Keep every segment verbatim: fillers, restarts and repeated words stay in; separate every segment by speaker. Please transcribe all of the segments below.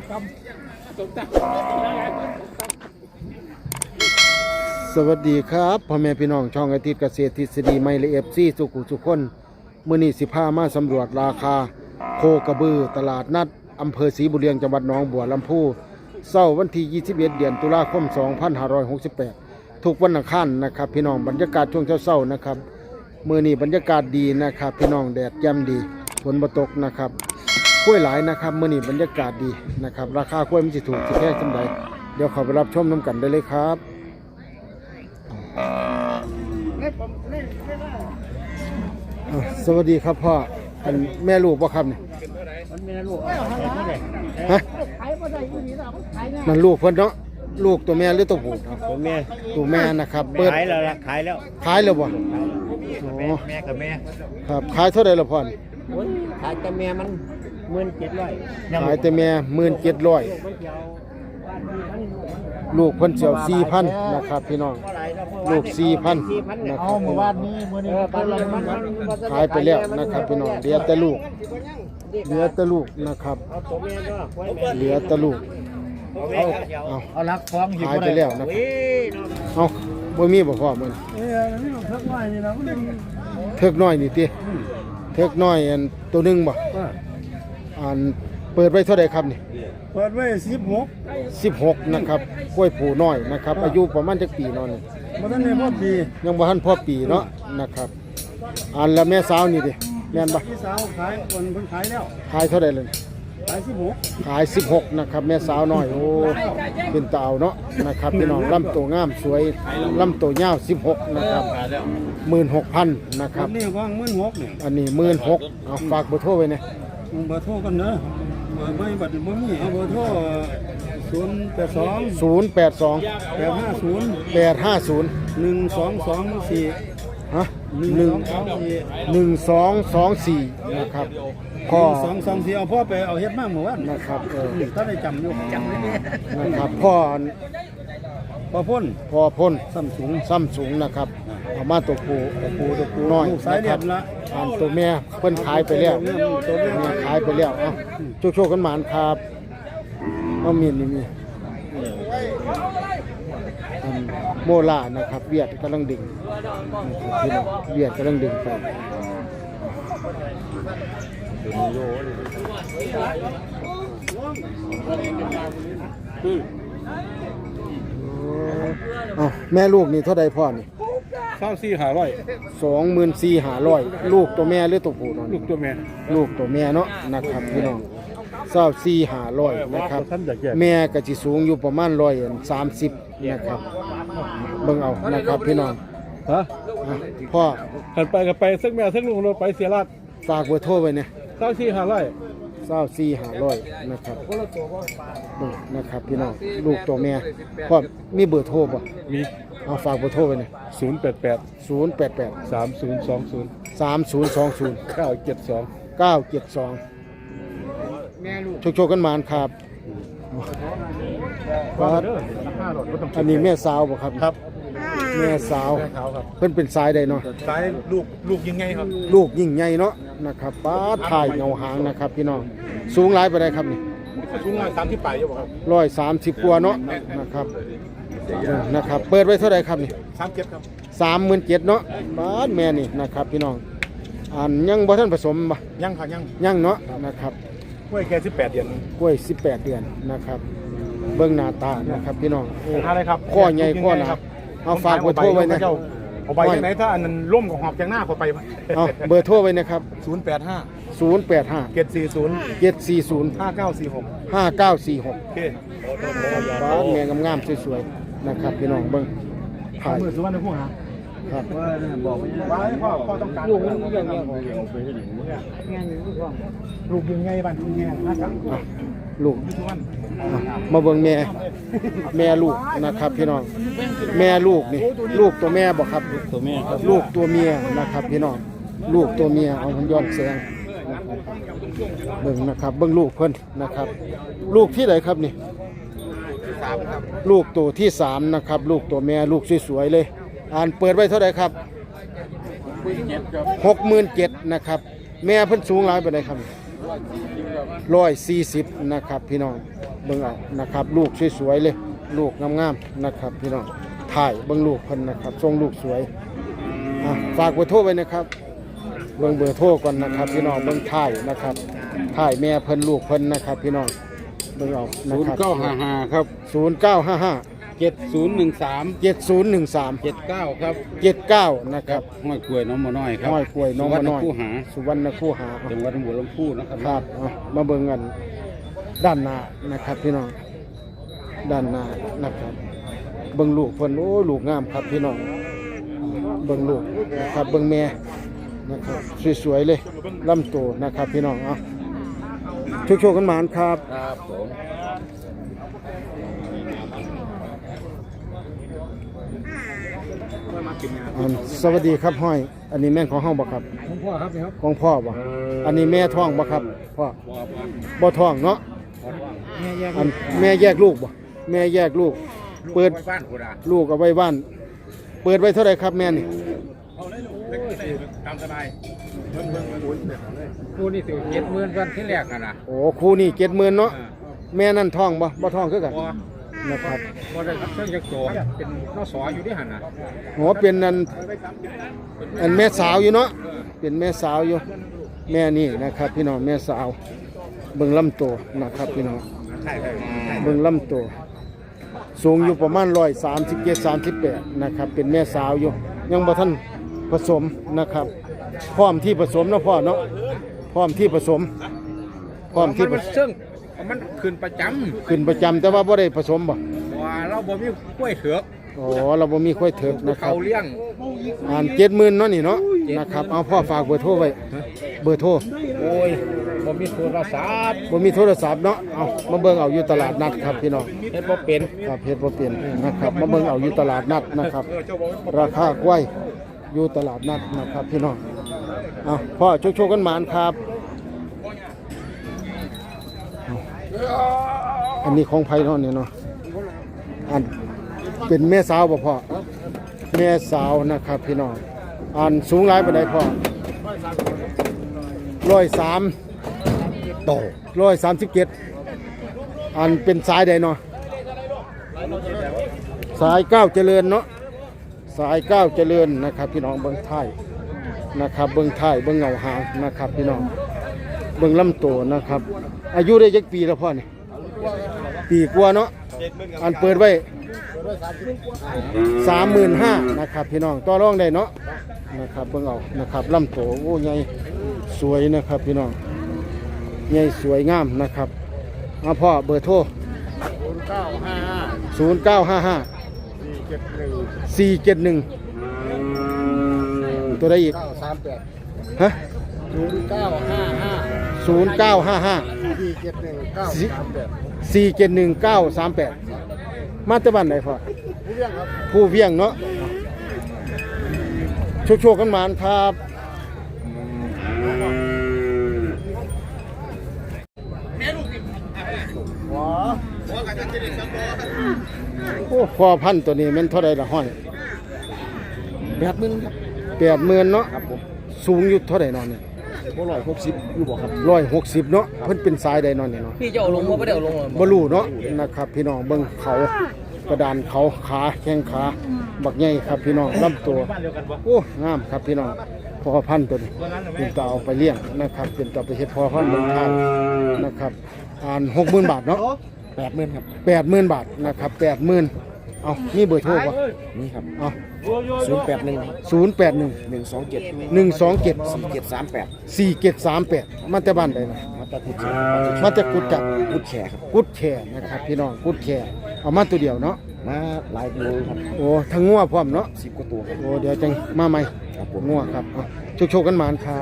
Speaker 1: สวัสดีครับพ่อแม่พี่น้องช่องอาทิตย์เกษตรทฤษฎีไม่ละเอียดซี่สุขุสุขคนมื้อนี้สิพามาสำรวจราคาโคกระบือตลาดนัดอำเภอศรีบุญเรียงจังหวัดหนองบัวลำพูเช้าวันที่ยี่สิบเอ็ดเดือนตุลาคมสองพันห้าร้อยหกสิบแปดทุกวันอังคารนะครับพี่น้องบรรยากาศช่วงเช้าๆนะครับมื้อนี้บรรยากาศดีนะครับพี่น้องแดดแจ่มดีฝนบ่ตกนะครับกล้วยหลายนะครับมื้อนี้บรรยากาศดีนะครับราคากล้วยมันสิถูกสิแพงจังไดเดี๋ยวเข้าไปรับชมนํกันได้เลยครับสวัสดีครับพ่อเป็นแม่ลูกป่ะครับเนี่ยแม่ลูกฮะมันลูกเพิ่นเนาะลูกตัวแม่หรือตัวผู้
Speaker 2: ตัวแม่
Speaker 1: ตัวแม่นะครับเปิด
Speaker 2: ขายแล้วขายแล้ว
Speaker 1: ขายแล้วบ่
Speaker 2: แม่กับแม่
Speaker 1: ครับขายเท่าไหร่ละพ่อ
Speaker 2: ขายแต่แม่มันหมื่นเจ็ดร้อย
Speaker 1: ขายแต่แม่หมื่นเจ็ดร้อยลูกเพิ่นเสียวสี่พันนะครับพี่น้องลูกสี่พันนะครับเมื่อวานนี้มื้อนี้ขายไปแล้วนะครับพี่น้องเหลือแต่ลูกเหลือแต่ลูกนะครับเหลือแต่ลูกเอาเอา
Speaker 2: เอาลักฟ้อง
Speaker 1: ขายไปแล้วนะครับเอาบ่มีบ่พอมื้อนี้
Speaker 2: เออนี่เทิกน้อยนี่นะมัน
Speaker 1: เทิกน้อยนี่ติเทิกน้อยอันตัวนึงบ่อันเปิดไว้เท่าใดครับนี่
Speaker 2: เปิดไว้สิบหก
Speaker 1: สิบหกนะครับกล้วยผูน้อยนะครับอายุประมาณจักปีเนาะนี่
Speaker 2: บ่ทันได้พอปี
Speaker 1: ยังบ่ทันพอปีเนาะนะครับอันแล้วแม่สาวนี่ดิแม่นบ่
Speaker 2: พี่สาวขายคนเพิ่นขายแล้ว
Speaker 1: ขายเท่าใดเลย
Speaker 2: ขายสิบหก
Speaker 1: ขายสิบหกนะครับแม่สาวน้อยโอ้เป็นตาเอาเนาะนะครับพี่น้องลำตัวงามสวยลำตัวยาวสิบหกนะครับหมื่นหกพันนะครับ
Speaker 2: นี่ว่างหมื่นหกนี่
Speaker 1: อันนี้หมื่นหกเอาฝากเบอร์โทรไว้เนี่ย
Speaker 2: เบอร์โทรกันเด้อเบอร์ไม่บัดบ่มีเอาเบอร์โทรศูนย์แปดสอง
Speaker 1: ศูนย์แปดสอง
Speaker 2: แปดห้าศูนย์
Speaker 1: แปดห้าศูนย์
Speaker 2: หนึ่งสองสองสี่
Speaker 1: ฮะหนึ่งหนึ่งสองสองสี่นะครับ
Speaker 2: พ่อสองสองสี่เอาพ่อไปเอาเฮ็ดมาเมื่อวาน
Speaker 1: นะครับเออ
Speaker 2: ถ้าได้จำอยู่จำได้
Speaker 1: นะครับพ่อ
Speaker 2: พ่อพ่น
Speaker 1: พ่อพ่น
Speaker 2: ซ้ำสูง
Speaker 1: ซ้ำสูงนะครับเอามาตัวปูตัวปูตัวปูน้อย
Speaker 2: สายเรียบละ
Speaker 1: อันตัวแม่เพิ่นขายไปแล้วตัวแม่ขายไปแล้วเอ้าโชคๆกันหมานครับเอามีนี่มีโมล่านะครับเวียดกำลังดึงเวียดกำลังดึงไปอ๋อแม่ลูกนี่เท่าใดพ่อนี่
Speaker 2: สามสี่ห้าร้อย
Speaker 1: สองหมื่นสี่ห้าร้อยลูกตัวแม่หรือตัวผู้ลู
Speaker 2: กตัวแม่
Speaker 1: ลูกตัวแม่เนาะนะครับพี่น้องเศร้าสี่ห้าร้อยนะครับแม่ก็จะสูงอยู่ประมาณร้อยสามสิบนะครับเบิ่งเอานะครับพี่น้อง
Speaker 2: ฮะ
Speaker 1: พ่อ
Speaker 2: ขันไปกับไปสักแม่สักลูกเราไปเสียราด
Speaker 1: ฝากเบอร์โทรไว้เนี่ย
Speaker 2: เศร้าสี่ห้าร้อย
Speaker 1: เศร้าสี่ห้าร้อยนะครับนะครับพี่น้องลูกตัวแม่พ่อมีเบอร์โทรป่ะ
Speaker 2: มี
Speaker 1: เอาฝากเบอร์โทรไว้เนี่ย
Speaker 2: ศูนย์แปดแปด
Speaker 1: ศูนย์แปดแปด
Speaker 2: สามศูนย์สองศูนย์
Speaker 1: สามศูนย์สองศูนย์
Speaker 2: เก้าเจ็ดสอง
Speaker 1: เก้าเจ็ดสองโชคๆกันมาครับอันนี้แม่สาวบ่ครับ
Speaker 2: ครับ
Speaker 1: แม่สาวเพิ่นเป็นสายใดเนาะ
Speaker 2: สายลูกลูกยิ่งไงครับ
Speaker 1: ลูกยิ่งใหญ่เนาะนะครับป้าถ่ายเงาหางนะครับพี่น้องสูงหลายไปได้ครับนี่
Speaker 2: สูงร้อยสามสิบปลายอยู่บ่ครับ
Speaker 1: ร้อยสามสิบกว่าเนาะนะครับนะครับเปิดไว้เท่าไหร่ครับนี่
Speaker 2: สามเจ็ดครับ
Speaker 1: สามหมื่นเจ็ดเนาะป้าแม่นี่นะครับพี่น้องอันยังบ่ทันผสมบ่
Speaker 2: ยังค่ะยัง
Speaker 1: ยังเนาะนะครับ
Speaker 2: กล้วยแค่สิบแปดเดือน
Speaker 1: กล้วยสิบแปดเดือนนะครับเบิ่งหน้าตานะครับพี่น้อง
Speaker 2: โอ้อะไรครับ
Speaker 1: ข้อใหญ่ข้อหนาเอาฝากเบอร์โทรไว้นะ
Speaker 2: เอาไปที่ไหนถ้าอันนั้นร่มกับหอบจากหน้าเขาไป
Speaker 1: เอาเบอร์โทรไว้นะครับ
Speaker 2: ศูนย์แปดห้า
Speaker 1: ศูนย์แปดห้า
Speaker 2: เจ็ดสี่ศูนย์
Speaker 1: เจ็ดสี่ศูนย์
Speaker 2: ห้าเก้าสี่หก
Speaker 1: ห้าเก้าสี่หก
Speaker 2: โอเค
Speaker 1: บ้านแม่งามๆสวยๆนะครับพี่น้องเบิ่ง
Speaker 2: ถ่ายมือสุวรรณภูมิ
Speaker 1: ครับ
Speaker 2: ว่าบอกว่าพ่อพ่อต้องการลูกมันเรื่องเรื่องของไปได้ดีมึงอ่ะงานลูกพ่อลูกยังไงบ้านคุณแม่นะครับ
Speaker 1: ลูกมาเบิ่งแม่แม่ลูกนะครับพี่น้องแม่ลูกนี่ลูกตัวแม่บ่ครับ
Speaker 2: ตัวแม่ครับ
Speaker 1: ลูกตัวเมียนะครับพี่น้องลูกตัวเมียเอาย้อนแสงเบิ่งนะครับเบิ่งลูกเพิ่นนะครับลูกที่ไหนครับนี่ลูกตัวที่สามนะครับลูกตัวแม่ลูกสวยๆเลยอ่านเปิดไว้เท่าไหร่ครับหกหมื่นเจ็ดนะครับแม่เพิ่นสูงหลายไปไหนครับร้อยสี่สิบนะครับพี่น้องเบิ่งเอานะครับลูกสวยๆเลยลูกงามๆนะครับพี่น้องถ่ายเบิ่งลูกเพิ่นนะครับทรงลูกสวยอ่ะฝากเบอร์โทรไว้นะครับเบิ่งเบอร์โทรก่อนนะครับพี่น้องเบิ่งถ่ายนะครับถ่ายแม่เพิ่นลูกเพิ่นนะครับพี่น้องเบิ่งเอานะ
Speaker 3: ศูน
Speaker 1: ค
Speaker 3: ย์
Speaker 1: รับ
Speaker 3: เก้าห้าห้าครับ
Speaker 1: ศูนย์เก้าห้าห้า
Speaker 3: เจ็ดศูนย์หนึ่งสาม
Speaker 1: เจ็ดศูนย์หนึ่งสาม
Speaker 3: เจ็ดเก้าครับ
Speaker 1: เจ็ดเก้านะครับ
Speaker 3: ห้อยกล้วยน้องมาน้อยครับ
Speaker 1: ห้อยกล้วยน้องมาน้อย
Speaker 3: สุวรรณคูหา
Speaker 1: สุวรรณคูหา
Speaker 3: จังหวัดหัวลำพูนะครับ
Speaker 1: ครับเอามาเบิ่งกันด้านหน้านะครับพี่น้องด้านหน้านะครับเบิ่งลูกเพิ่นโอ้ลูกงามครับพี่น้องเบิ่งลูกนะครับเบิ่งแม่นะครับสวยๆเลยลำโตนะครับพี่น้องเอาโชคๆกันหมานครับ
Speaker 3: ครับผม
Speaker 1: อันสวัสดีครับห้อย อันนี้แม่นของเฮาบ่ครับ
Speaker 2: ผมพ่อครับนี่ครับ
Speaker 1: ของพ่อบ่อันนี้แม่ท้องบ่ครับพ่อบ่ท้องเนาะ
Speaker 2: แม่แยก
Speaker 1: อันแม่แยกลูกบ่แม่แยกลูก เปิด
Speaker 3: บ้านกูดา
Speaker 1: ลูกเอาไว้บ้าน เปิดไว้เท่าไหร่ครับแม่นี่
Speaker 3: ตามสบายกูนี่สิเจ็ดหมื่นวันที่แรกกันนะ
Speaker 1: โอ้คู่นี่เจ็ดหมื่นเนาะแม่นั่นท้องบ่บ่ท้องคือกัน
Speaker 3: พอ
Speaker 1: นะครับ
Speaker 3: พอได้รับเชิญจากตัวเป็นนอสออยู่ที่หันนะ
Speaker 1: โอ้เป็นนั่นอันแม่สาวอยู่เนาะเป็นแม่สาวอยู่ แม่นี่นะครับ พี่น้องแม่สาวเบิ่งลำตัวนะครับพี่น้อง
Speaker 3: ใช่ใช่
Speaker 1: เบิ่งลำตัวสูงอยู่ประมาณร้อยสามสิบเจ็ดสามสิบแปดนะครับเป็นแม่สาวอยู่ยังบ่ทันผสมนะครับพร้อมที่ผสมเนาะพ่อเนาะพร้อมที่ผสมพร้อมที่ผ
Speaker 3: มัน
Speaker 1: สม
Speaker 3: ซึ่งมันขึ้นประจ
Speaker 1: ขึ้นประจำแต่ว่าบ่ได้ผสมบ่
Speaker 3: ำว่าเราบ่มีกล้วยเถือก
Speaker 1: อ๋อเราบ่มีค่อยเถิกนะครั
Speaker 3: เขา
Speaker 1: บ
Speaker 3: เลี้ยง
Speaker 1: อ่านเจ็ดหมื่นเนาะนี่เนาะนะครับเอาพ่อฝากเบอร์โทรไว้เบอร์โทร
Speaker 3: โอ้ยบ่มีโทรศัพท์
Speaker 1: บ่มีโทรศัพท์เนาะเอามาเบิ่งเอาอยู่ตลาดนัดครับพี่น้อง
Speaker 3: เฮ็ดบ่เป็น
Speaker 1: ครับเฮ็ดบ่เป็นนะครับมาเบิ่งเอาอยู่ตลาดนัดนะครับ ราคากล้วยอยู่ตลาดนัดนะครับพี่น้องเอาพ่อโชคๆกันหมานครับเอาอันนี้ของไผเนาะเนี่ยเนาะอันเป็นแม่สาวบ่พ่อแม่สาวนะครับพี่น้องอันสูงหลายปานใดพ่อร้อยสามโตร้อยสามสิบเจ็ดอันเป็นสายใดเนาะสายเก้าเจริญเนาะสายเก้าเจริญนะครับพี่น้องเบิ้งท้ายนะครับเบิ้งท้ายเบิ้งเงาหางนะครับพี่น้องเบิ้งลำตัวนะครับ อายุได้ยักปีแล้วพ่อนี่ปีกว่าเนาะอันเปิดไว้สามหมื่นห้านะครับพี่น้องต่อรองได้เนาะนะครับเบิ้งเอานะครับลำตัวโอ้ใหญ่สวยนะครับพี่น้องใหญ่สวยงามนะครับเอาพ่อเบอร์โทร
Speaker 3: เก้าห้าห้า
Speaker 1: ศูนย์เก้าห้าห้า
Speaker 3: สี่เจ็ดหนึ่ง
Speaker 1: สี่เจ็ดหนึ่งตัวใดอีก
Speaker 3: เก้าสามแปด
Speaker 1: ฮะ
Speaker 3: ศูนย์เก้าห้าห้า
Speaker 1: ศูนย์เก้าห้าห้า
Speaker 3: สี่เจ็ดหนึ่งเก้าสามแปด
Speaker 1: สี่เจ็ดหนึ่งเก้าสามแปดมาจากบ้านไหนพ่อ
Speaker 3: ผู้เลี้ยงครับ
Speaker 1: ผู้เวียงเนาะโชคโชคกันหมานครับโอ้พอพันธุ์ตัวนี้แมันเท่าไรละห้อย
Speaker 3: แปดหมื่นครับ
Speaker 1: แปดหมื่นเนาะ
Speaker 3: ครับผม
Speaker 1: สูงอยู่เท่าไรนอนเนี่ย
Speaker 3: บ่ร้อยหกสิบอยู่บ่ครับ
Speaker 1: ร้อยหกสิบเนาะเพิ่นเป็นสายใดนอนเนี่ยเนาะ
Speaker 4: พี่จะเอาลงว่าไม่ได้เอาลงหรอ
Speaker 1: บ่รู้เนาะนะครับ พี่น้องเบิ่งเขากระดานเขาขาแข้งขาบักใหญ่ครับพี่น้องลำตัวโอ้งามครับพี่น้องพอพันธุ์ตัวนี้เป็นตาเอาไปเลี้ยงนะครับเป็นตาไปเฮ็ดพอพันธุ์เมืองไทยนะครับอ่านหกหมื่นบาทเนาะ
Speaker 3: แปดหมื่นครับ
Speaker 1: แปดหมื่นบาทนะครับแปดหมื่นเอามีเบอร์โทรป่ะ
Speaker 3: นี่ครับ
Speaker 1: เอา
Speaker 3: ศูนย์แปดหนึ่ง
Speaker 1: ศูนย์แปดหนึ่ง
Speaker 3: หนึ่งสองเจ็ด
Speaker 1: หนึ่งสองเจ็ด
Speaker 3: สี่เจ็ดสามแปด
Speaker 1: สี่เจ็ดสามแปดมาแต่บ้านใดนะ
Speaker 3: มาตะกุด
Speaker 1: มาแต่กุดจับ
Speaker 3: กุดแขกครับ
Speaker 1: กุดแข่นะครับพี่น้องกุดแข่เอามาตัวเดียวเนาะ
Speaker 3: มาหลายกิโลครับ
Speaker 1: โอ้ทั้งงัวพร้อมเนาะ
Speaker 3: สิบกว่าตัวครับ
Speaker 1: โอ้เดี๋ยวจังมาใหม่
Speaker 3: ครับผม
Speaker 1: งัวครับเอาโชคๆกันหมานครับ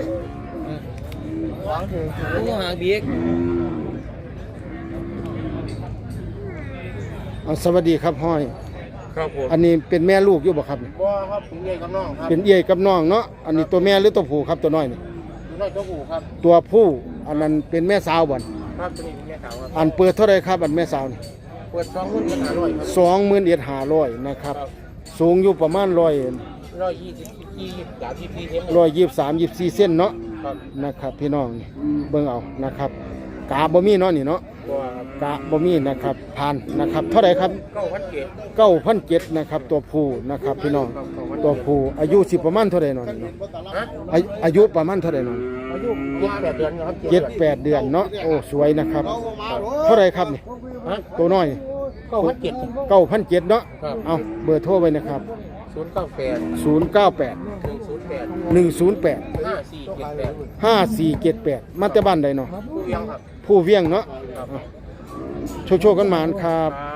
Speaker 4: ลูกหางบิ๊ก
Speaker 1: เอาสวัสดีครับห้อย
Speaker 3: ครับผม
Speaker 1: อันนี้เป็นแม่ลูกอยู่บ่ครับ
Speaker 3: บ่ครับผมใหญ่กับน้องครับ
Speaker 1: เป็นเอี้ยกับน้องเนาะอันนี้ตัวแม่หรือตัวผู้ครับตัวน้อยนี่
Speaker 3: น้อยตัวหูครับ
Speaker 1: ตัวผู้อันนั้นเป็นแม่สาวบ่น
Speaker 3: ครับตัวนี้เป็นแม่ขาวครับ
Speaker 1: อันเปิดเท่าไรครับอันแม่สาวนี่
Speaker 3: เปิดสองรุ่นกันหาร้อยครับ
Speaker 1: สองหมื่นเอ็ดห้าร้อยนะครับสูงอยู่ประมาณร้อย
Speaker 3: ร้อยยี่สิบยี่สิบสามสิบสี่เทม
Speaker 1: ร้อยยี่สิบสามยี่สิบสี่เส้นเนาะ
Speaker 3: ครับ
Speaker 1: นะครับพี่น้องนี่เบิ่งเอานะครับกาบ่มีเนาะนี่เนาะ
Speaker 3: บัวครับ
Speaker 1: กะบ่มีนะครับผ่านนะครับเท่าไหร่ครับ
Speaker 3: เก้าพันเกต
Speaker 1: เก้าพันเจ็ดนะครับตัวผู้นะครับพี่น้องตัวผู้อายุสิประมาณเท่าไหร่เนาะนี่เนาะ
Speaker 3: ฮะ
Speaker 1: อายุอายุประมาณเท่าไหร่เนาะ
Speaker 3: อายุเจ็ดแปดเดือนครับ
Speaker 1: เจ็ดแปดเดือนเนาะโอ้สวยนะครับเท่าไหร่ครับนี่
Speaker 3: ฮะ
Speaker 1: ตัวน้อย
Speaker 3: เก้าพันเกต
Speaker 1: เก้าพันเจ็ดเนาะ
Speaker 3: ครับ
Speaker 1: เอาเบอร์โทรไว้นะครับ
Speaker 3: ศูนย์เก้าแปด
Speaker 1: ศูนย์เก้าแปด
Speaker 3: หนึ่งศูนย์แปด
Speaker 1: หนึ่งศูนย์แปด
Speaker 3: ห้าสี่เจ็ดแปด
Speaker 1: ห้าสี่เจ็ดแปดมาแต่บ้านใดเนาะ
Speaker 3: ผู้เลี้ยงครับ
Speaker 1: ผู้เวียงเนาะ
Speaker 3: ครับ
Speaker 1: โชว์โชว์กันหมานครับ
Speaker 3: ครับ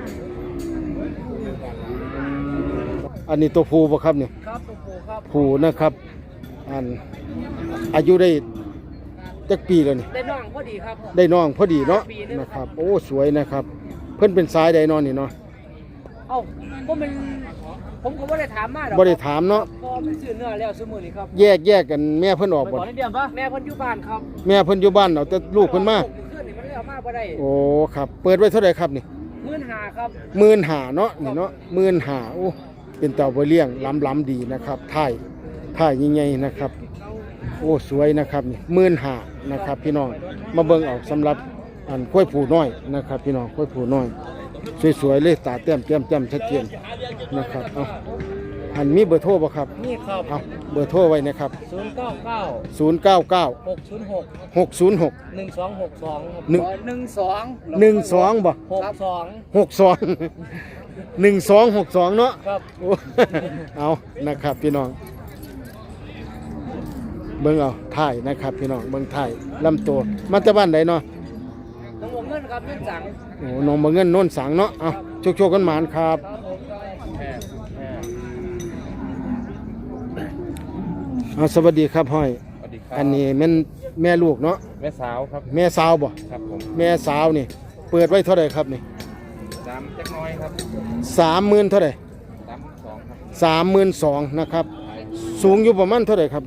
Speaker 1: อันนี้ตัวผู้บ่ครับเนี่ย
Speaker 4: ครับตัวผู้ครับ
Speaker 1: ผู้นะครับอันอายุได้จักปีแล้วนี่
Speaker 4: ได้น้องพอดีครับ
Speaker 1: ได้น้องพอดีเนาะ
Speaker 4: ปีนึง
Speaker 1: นะครับโอ้สวยนะครับ เพิ่นเป็นสายใดนอนนี่เนาะ
Speaker 4: เอ้าผมเป็นผมก็บ่ได้ถามมาดอก
Speaker 1: บ่ได้ถามเนาะ
Speaker 4: พอเป็นซื้อเนื้อแล้วซื้อมื้อนี้ครับ
Speaker 1: แยกแยกกันแม่เพิ่นออกบ่
Speaker 4: ขอนิดเดียวปะแม่เพิ่นอยู่บ้านครับ
Speaker 1: แม่เพิ่นอยู่บ้านเอาแต่ลูกเพิ่นมา
Speaker 4: ขึ้นนี่มันเลยเอามาบ่ได้
Speaker 1: โอ้ครับ เปิดไว้เท่าไหร่ครับนี่
Speaker 4: หมื่นห้าครับ
Speaker 1: หมื่นห้าเนาะนี่เนาะหมื่นห้าโอ้เป็นเต่าบ่เลี้ยงล้ำๆดีนะครับถ่ายถ่ายใหญ่ๆนะครับ โอ้สวยนะครับนี่หมื่นห้านะครับ พี่น้องมาเบิ่งเอาสำหรับอันกล้วยผูน้อยนะครับ พี่น้องกล้วยผูน้อยสวยๆเลยตาเต้มแก้มจ้ำชัดเจนนะครับเอาอันมีเบอร์โทรบ่ครับ
Speaker 4: นี่ครับ
Speaker 1: เอาเบอร์โทรไว้นะครับ
Speaker 4: ศูนย์เก้าเก้า
Speaker 1: ศูนย์ เก้า เก้า
Speaker 4: หกศูนย์หก
Speaker 1: หก ศูนย์ หก
Speaker 4: หนึ่งสองหกสองครับ
Speaker 1: หนึ่ง
Speaker 4: หนึ่งสอง
Speaker 1: หนึ่งสองบ่
Speaker 4: หกสอง
Speaker 1: หกสองหนึ่งสองหกสองเนาะ
Speaker 4: ครับ
Speaker 1: โอ้ เอานะครับพี่น้องเบิ่งเอาถ่ายนะครับพี่น้องเบิ่งถ่ายลำตัวมาจากบ้านใดเนาะ
Speaker 4: น้องวงเงินครับเงินจัง
Speaker 1: โอ้น้องบ่เงินโน่นสังเนาะเอาโชคๆกันหมานครับ
Speaker 4: ครับผม
Speaker 1: เอาสวัสดีครับห้อย
Speaker 3: สวัสดีครับ
Speaker 1: อันนี้แม่นแม่ลูกเนาะ
Speaker 3: แม่สาวครับ
Speaker 1: แม่สาวบ่
Speaker 3: ครับผม
Speaker 1: แม่สาวนี่ เปิดไว้เท่าไหร่ครับนี่
Speaker 3: สามจักน้อยครับ
Speaker 1: สามหมื่นเท่าไหร่
Speaker 3: สามสองครับ
Speaker 1: สามหมื่นสองนะครับ สูงอยู่ประมาณเท่าไหร่ครับดิ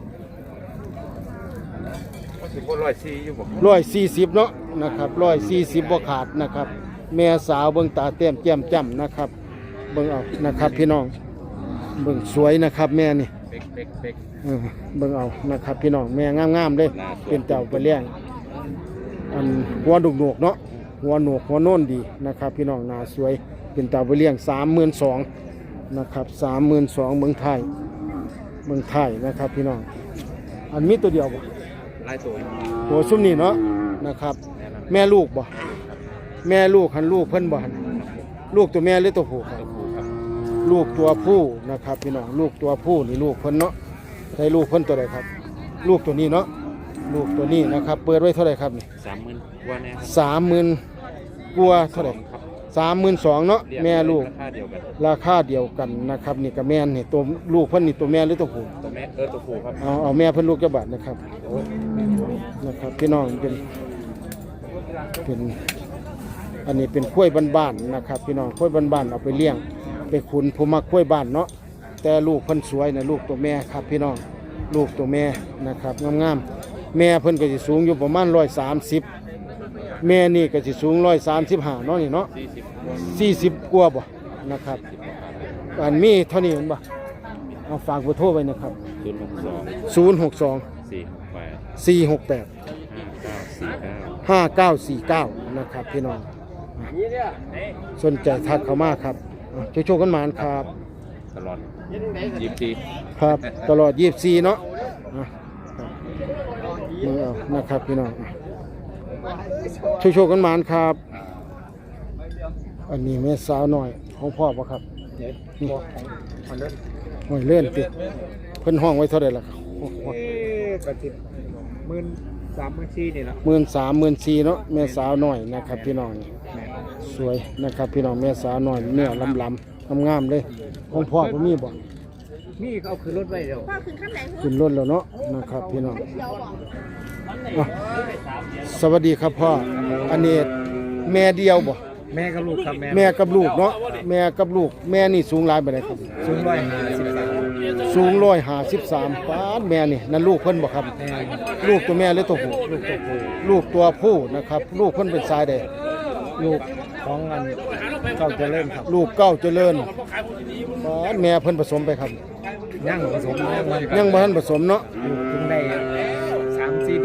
Speaker 3: ก็สิบร้อยสี่อยู่บ่
Speaker 1: ร้อยสี่สิบเนาะนะครับร้อยสี่สิบบ่ขาดนะครับ แม่สาวเบิ่งตาเต้มแจ่มจ้ำนะครับ เบิ่งเอานะครับพี่น้องเบิ่งสวยนะครับแม่นี่
Speaker 3: เป๊กเป๊กเป๊ก
Speaker 1: เออเบิ่งเอานะครับพี่น้องแม่งามๆเลยเป็นเต่าไปเลี้ยงอันหัวดุกหนวกเนาะหัวหนวกหัวโน่นดีนะครับ พี่น้องหน้าสวยเป็นเต่าไปเลี้ยงสามหมื่นสองนะครับสามหมื่นสองเมืองไทยเมืองไทยนะครับพี่น้องอันมีตัวเดียวบ่
Speaker 3: ลายตัว
Speaker 1: ตัวซุ้มนี่เนาะนะครับ แม่ลูกบ่แม่ลูกหันลูกเพิ่นบ่หันลูกตัวแม่หรือตัวผู้ครับ
Speaker 3: ครับ
Speaker 1: ลูกตัวผู้นะครับพี่น้องลูกตัวผู้นี่ลูกเพิ่นเนาะใช่ลูกเพิ่นตัวใดครับ ลูกตัวนี้เนาะลูกตัวนี้นะครับ เปิดไว้เท่าไหร่ครับนี่
Speaker 3: สามหมื่นกว่าแน่ครับ
Speaker 1: สามหมื่นกว่าเท่าไหร่
Speaker 3: ครับ
Speaker 1: สามหมื่นสองเนาะ
Speaker 3: เรีย
Speaker 1: แม่ลูก
Speaker 3: ราคาเดียวกัน
Speaker 1: ราคาเดียวกันนะครับนี่กับแม่นี่ตัวลูกเพิ่นนี่ตัวแม่หรือตัวผู้
Speaker 3: ตัวแม่เออตัวผู้ครับ
Speaker 1: เอาเอาแม่เพิ่นลูกเจ้าบาทนะครับนะครับพี่น้องเป็นเป็นอันนี้เป็นกล้วยบ้านๆนะครับ พี่น้องกล้วยบ้านๆเอาไปเลี้ยงไปขุนผู้มักกล้วยบ้านเนาะแต่ลูกเพิ่นสวยนะลูกตัวแม่ครับพี่น้องลูกตัวแม่นะครับงามๆแม่เพิ่นก็สิสูงอยู่ประมาณร้อยสามสิบแม่นี่ก็สิสูงร้อยสามสิบห้าเนาะนี่เนาะ
Speaker 3: สี่สิบ
Speaker 1: สี่สิบกว่าบ่นะครับอันมีเท่านี้เห็นบ่เอาฝากเบอร์โทรไว้นะครับ
Speaker 3: ศูนย์หกสอง
Speaker 1: ศูนย์หกสอง
Speaker 3: สี่หกแปด
Speaker 1: สี่หกแปด
Speaker 3: ห้าเก้าสี่เก้า
Speaker 1: ห้าเก้าสี่เก้านะครับพี่น้องสนใจทักเข้ามาครับโชคโชคกันหมานครับ
Speaker 3: ตลอดยี่สิบสี่
Speaker 1: ครับตลอดยี่สิบสี่เนาะอ่ะครับมือเอานะครับพี่น้องโชคโชคกันหมานครับ อันนี้แม่สาวหน่อยของพ่อปะครับนี่หอยเลื่อนติเพิ่นห้องไว้เท่าไหร่ล่ะครับ
Speaker 2: กระติบหมื่นสามหมื่นสี่นี่ละ
Speaker 1: หมื่นสามหมื่นสี่เนาะแม่สาวหน่อยนะครับพี่น้องสวยนะครับพี่น้องแม่สาวหน่อยเนื้อลำลำงามๆเลยของพ่อก็มีบ่
Speaker 2: นี่เอาขึ้นรถไว้เดี๋ยว
Speaker 5: พ่อขึ้นขั้นไหน
Speaker 1: ขึ้นรถแล้วเนาะนะครับพี่น้องอ่ะสวัสดีครับพ่ออันนี้แม่เดียวบ่
Speaker 2: แม่กับลูกครับแม่
Speaker 1: แม่กับลูกเนาะแม่กับลูกแม่นี่สูงหลายปานใดครับ
Speaker 2: สูงร้อยห้าสิบสาม
Speaker 1: สูงร้อยห้าสิบสามปานแม่นี่นั่นลูกเพิ่นบ่ครับ
Speaker 2: แม่
Speaker 1: ลูกตัวแม่หรือตัวผู้
Speaker 2: ลูกตัวผู้
Speaker 1: ลูกตัวผู้นะครับ ลูกเพิ่นเป็นสายใด
Speaker 2: ลูกของเงินเก้าเจริญครับ
Speaker 1: ลูกเก้าเจริญปานแม่เพิ่นผสมไปครับ
Speaker 2: ย่างผสม
Speaker 1: ยังบ่ทันผสมเนาะ
Speaker 2: ลูกถึงได้สามสี่เดือนนึง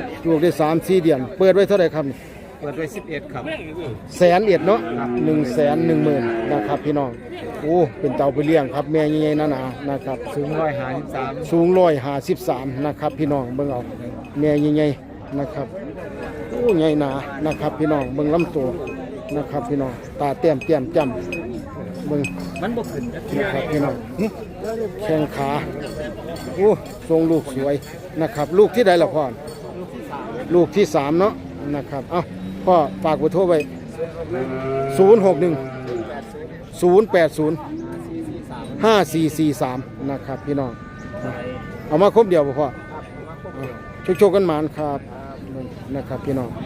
Speaker 1: ลูกได้สามสี่เดือนเปิดไว้เท่าไหร่ครับนี่
Speaker 2: เปิดไว้สิบเอ็ดครับ
Speaker 1: แสนเอ็ดเนาะหนึ่งแสนหนึ่งหมื่นนะครับพี่น้องโอ้เป็นเต่าไปเลี้ยงครับแม่ใหญ่ๆหนาๆนะครับ
Speaker 2: สูงร้อยห้าสิบสาม
Speaker 1: สูงร้อยห้าสิบสามนะครับพี่น้องเบิ่งเอาแม่ใหญ่ๆนะครับโอ้ใหญ่หนานะครับพี่น้องเบิ่งลำตัวนะครับพี่น้องตาเต้มเต้มจ้ำเบิ่ง
Speaker 2: มันบ่ขึ้นนะ
Speaker 1: นะครับพี่น้องหึแข้งขาโอ้ทรงลูกสวยนะครับ ลูกที่ใดล่ะพ่อลูกที่สามเนาะนะครับเอ้าพ่อฝากเบอร์โทรไว้ศูนย์หกหนึ่งศูนย์แปดศูนย์ห้าสี่สี่สามนะครับพี่น้องเอามาครบเดียวบ่พ่อชกชกกันหมานครับนะครับพี่น้อง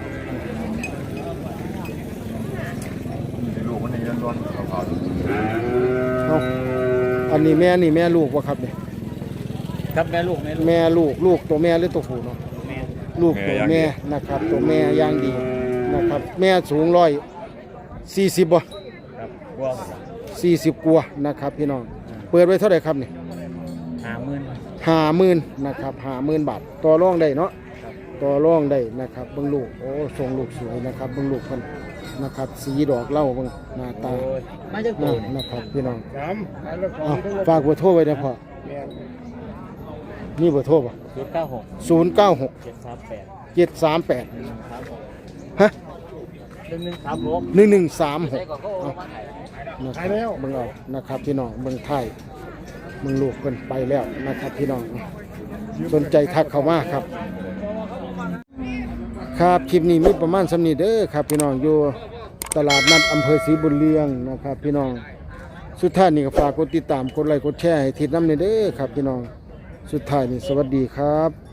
Speaker 3: ลูกมันนี่ร้อนๆขาว
Speaker 1: เอาอันนี้แม่นี่แม่ลูกวะครับเนี่ย
Speaker 2: ครับแม่ลูกแม่ลูก
Speaker 1: แม่ลูกลูกตัวแม่หรือตัวผู้เนาะ
Speaker 2: แม่
Speaker 1: ลูกตัวแม่นะครับ ตัวแม่ย่างดีนะครับ แม่สูงร้อยสี่สิบบ่
Speaker 2: ครับบัว
Speaker 1: สี่สิบกว่านะครับพี่น้องเปิดไว้เท่าไหร่ครับเนี่ย
Speaker 2: ห้าหมื่น
Speaker 1: ห้าหมื่นนะครับห้าหมื่นบาทต่อรองได้เนาะต่อรองได้นะครับเบิ่งลูกโอ้ทรงลูกสวยนะครับเบิ่งลูกมันนะครับ สีดอกเหล้าเบิ่งหน้าตา
Speaker 2: มาจาก
Speaker 1: นะ
Speaker 2: ตัว
Speaker 1: นะครับพี่น้อง
Speaker 2: สาม
Speaker 1: เอาฝากเบอร์โทรไว้นะพ่อนี่เบอร์โทรป่ะ
Speaker 2: ศูนย์เก้าหก
Speaker 1: ศูนย์เก้าหก
Speaker 2: เจ็ดสามแปด
Speaker 1: เจ็ดสามแปด
Speaker 2: ครับผม
Speaker 1: ฮะ
Speaker 2: หนึ่งหนึ่งสามหก
Speaker 1: หนึ่งหนึ่งสามหก
Speaker 2: ใช่ก่อนก็โอนมาถ่าย
Speaker 1: นะครับเบิ่งเอานะครับพี่น้องเบิ่งไทยเบิ่งลูกเพิ่นไปแล้วนะครับพี่น้องสนใจทักเข้ามาครับ ครับคลิปนี้มีประมาณสำนี้เด้อครับพี่น้องอยู่ตลาดนัดอำเภอศรีบุญเรืองนะครับพี่น้องสุดท้ายนี่ก็ฝากกดติดตามกดไลค์กดแชร์ให้ทิศน้ำเด้อครับพี่น้องสุดท้ายนี่สวัสดีครับ